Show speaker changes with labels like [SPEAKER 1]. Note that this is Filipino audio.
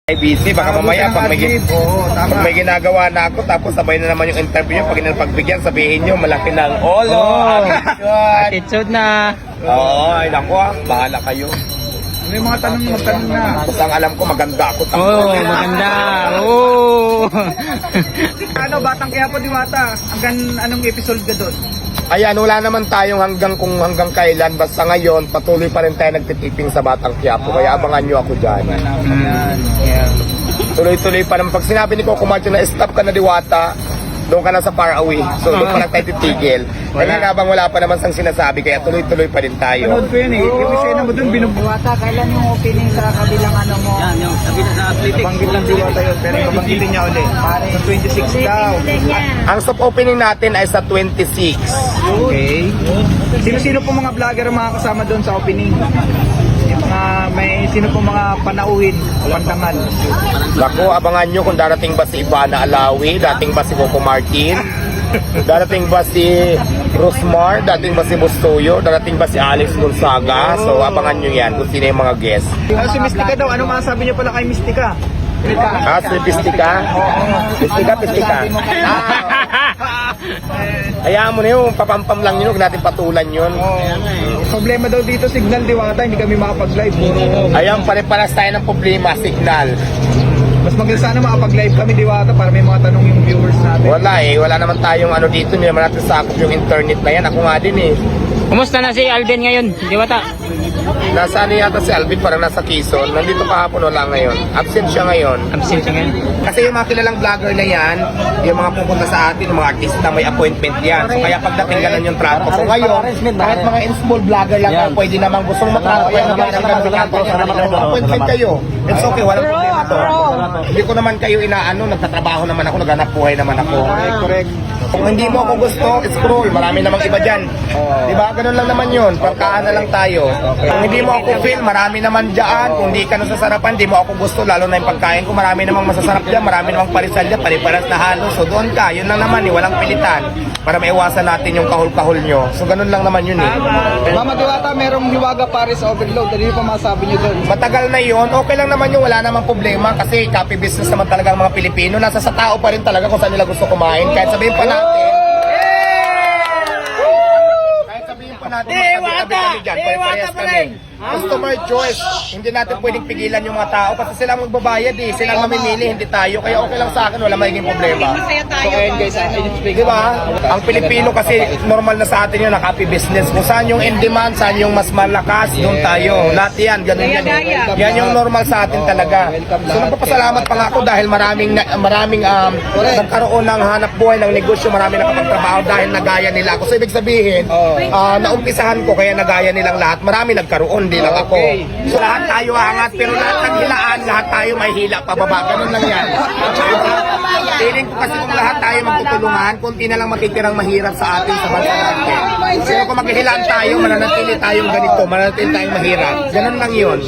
[SPEAKER 1] busy, baka mamaya pag may ginagawa na ako tapos sabay na naman yung interview nyo, pag pagbigyan sabihin nyo malaki ng
[SPEAKER 2] Attitude na.
[SPEAKER 1] Oo, ay naku bahala kayo.
[SPEAKER 3] May mga magtanong na.
[SPEAKER 1] Basta ang alam ko maganda ako.
[SPEAKER 2] Maganda.
[SPEAKER 3] Ano, Batang Quiapo Diwata? Hanggang anong episode ka doon?
[SPEAKER 1] Ayan, wala naman tayong hanggang kailan. Basta ngayon, patuloy pa rin tayo nagtitiping sa Batang Quiapo. Kaya abangan nyo ako dyan. Tuloy-tuloy pa naman. Pag sinabi ni Coco Macho na stop ka na Diwata, doon ka na sa far away. So doon pa lang tayo titigil. Kaya habang wala pa naman sang sinasabi, kaya tuloy-tuloy pa rin tayo.
[SPEAKER 3] Panood ko yun eh. Yung isena mo doon,
[SPEAKER 4] Diwata, kailan yung opening sa kabilang ano mo?
[SPEAKER 2] Yan, yung sabi na sa athletic.
[SPEAKER 3] nabanggit lang Diwata yun, pero nabanggitin niya ulit. Sa 26 daw.
[SPEAKER 1] Ang soft opening natin ay sa 26.
[SPEAKER 3] Okay. Sino-sino po mga vlogger ang mga kasama doon sa opening? Yung sino po mga panauhin o pandangal?
[SPEAKER 1] Naku, abangan nyo kung darating ba si Ivana Alawi, dating ba si Coco Martin, darating ba si Rosmar, dating ba si Bustoyo, darating ba si Alex Gonzaga. So abangan nyo yan kung sino yung mga guests.
[SPEAKER 3] Si Mystica daw, ano masasabi niyo pala kay Mystica?
[SPEAKER 1] Si Pistika? Pistika. Hayaan mo na yun, papampam lang yun, huwag natin patulan yun.
[SPEAKER 3] Problema daw dito, signal Diwata, hindi kami makapag-live.
[SPEAKER 1] Ayan, pare-paras tayo ng problema, signal.
[SPEAKER 3] Mas maganda sana makapag-live kami Diwata para may mga tanong yung viewers natin.
[SPEAKER 1] Wala naman tayong ano dito, hindi naman natin sakop yung internet na yan. Ako nga din eh.
[SPEAKER 2] Kumusta na si Alden ngayon, Diwata?
[SPEAKER 1] Nasa ano yata si Alvin, parang nasa Quezon. Nandito kahapon, wala ngayon. Absent siya ngayon.
[SPEAKER 2] Absent siya ngayon.
[SPEAKER 1] Kasi yung mga kilalang vlogger na yan, yung mga pupunta sa atin, yung mga artista, may appointment yan. So kaya pagdating ganun yung trato ko ngayon, kahit mga in-small vlogger lang yan, pwede naman gustong matrato yan naman ang ganun. Appointment kayo. It's okay, walang problema to. Hindi ko naman kayo inaano, nagtatrabaho naman ako, naghanap buhay naman ako.
[SPEAKER 3] Correct.
[SPEAKER 1] Kung hindi mo ako gusto, scroll. Marami namang iba dyan. Diba? Ganun lang naman yun. Pagkaan na lang tayo. Kung hindi mo ako feel, marami naman dyan. Kung hindi ka nasasarapan, hindi mo ako gusto. Lalo na yung pagkain ko, marami namang masasarap dyan. Marami namang parisal dyan. Pariparas na halos. So doon ka. Yun lang naman. Walang pilitan. Para maiwasan natin yung kahul-kahul nyo. So ganun lang naman yun eh.
[SPEAKER 3] Mama Diwata, merong Hiwaga Paris Overload. Ano yung pa masabi niyo doon?
[SPEAKER 1] Matagal na yun. Okay lang naman yung wala namang problema. Kasi copy business naman talaga ang mga Pilipino. Nasa sa tao pa rin talaga kung saan nila gusto kumain. Kahit sabihin pa natin. Kahit sabihin pa natin. Magtabi-tabi dyan. Pare-parehas kami. Customer choice. Hindi natin pwedeng pigilan yung mga tao kasi sila ang magbabayad eh. Sila ang mamimili, hindi tayo. Kaya okay lang sa akin, wala magiging problema.
[SPEAKER 3] So ayun guys,
[SPEAKER 1] Di ba? Ang Pilipino kasi normal na sa atin yun, nakapi business. Kung saan yung in demand, saan yung mas malakas, doon tayo. Lahat yan, ganun yan. Yan yung normal sa atin talaga. So nagpapasalamat pa nga ako dahil maraming nagkaroon ng hanap buhay ng negosyo, maraming nakapagtrabaho dahil nagaya nila ako. So ibig sabihin, naumpisahan ko kaya nagaya nilang lahat. Marami nagkaroon, hindi lang ako. So lahat tayo angat, pero lahat ng hilaan, lahat tayo may hila pababa. Ganun lang yan. Feeling ko kasi kung lahat tayo magtutulungan, kunti na lang matitirang mahirap sa atin sa bansa natin. Pero kung maghihilaan tayo, mananatili tayong ganito, mananatili tayong mahirap. Ganun lang yun.